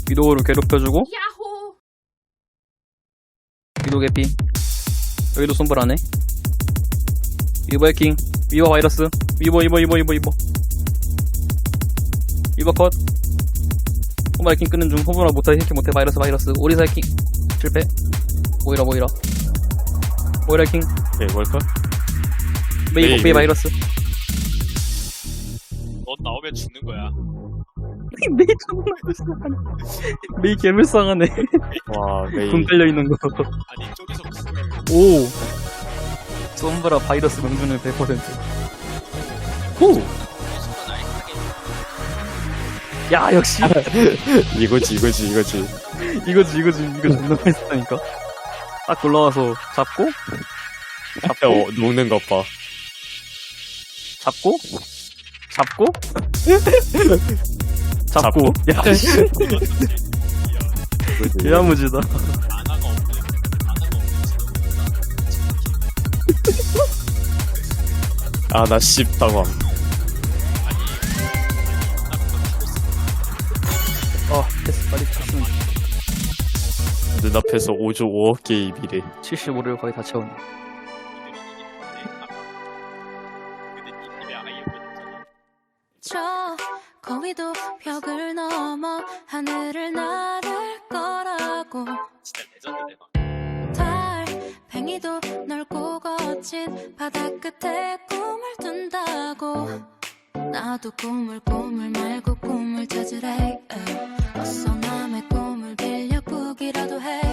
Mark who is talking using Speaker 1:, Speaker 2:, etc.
Speaker 1: 위도우를 괴롭혀주고
Speaker 2: 야호.
Speaker 1: 위도우 개피. 여기도 손불하네. 위버 해킹. 위버 바이러스. 위버 컷. 호바 해킹 끄는 중. 호브라 못해. 해킹 못해. 바이러스. 오리사 해킹 실패. 모이라 해킹.
Speaker 3: 오케이 월컷.
Speaker 1: 메이 바이러스.
Speaker 4: 넌 나오면 죽는 거야.
Speaker 1: 메이 존나 불쌍하네. 메이 개불쌍하네.
Speaker 3: 와 메이.
Speaker 1: 돈 깔려있는 거.
Speaker 4: 아니 저기서 무슨
Speaker 1: 오. 솜브라 바이러스 명중률 100%. 호.
Speaker 4: 순간 알파게
Speaker 1: 야 역시
Speaker 3: 이거지.
Speaker 1: 이거 존나 맛있다니까. 딱 올라와서 잡고
Speaker 3: 녹는 것 봐.
Speaker 1: 잡고
Speaker 3: 잡고.
Speaker 1: 야 씨. 야무지다.
Speaker 4: 아나가 없는
Speaker 3: 아나 씹당함.
Speaker 1: 패스 빨리 쳤으면
Speaker 3: 눈앞에서 5조 5억 개의 미래.
Speaker 1: 75를 거의 다 채웠네.
Speaker 4: 근데 이 팀에 아예 없잖아.
Speaker 2: 저 거위도 벽을 넘어 하늘을 나를 거라고.
Speaker 4: 진짜 레전드 대박.
Speaker 2: 달팽이도 넓고 거친 바다 끝에 꿈을 둔다고. 나도 꿈을 말고 꿈을 찾으래. 어서 남의 꿈을 빌려 꾸기라도 해.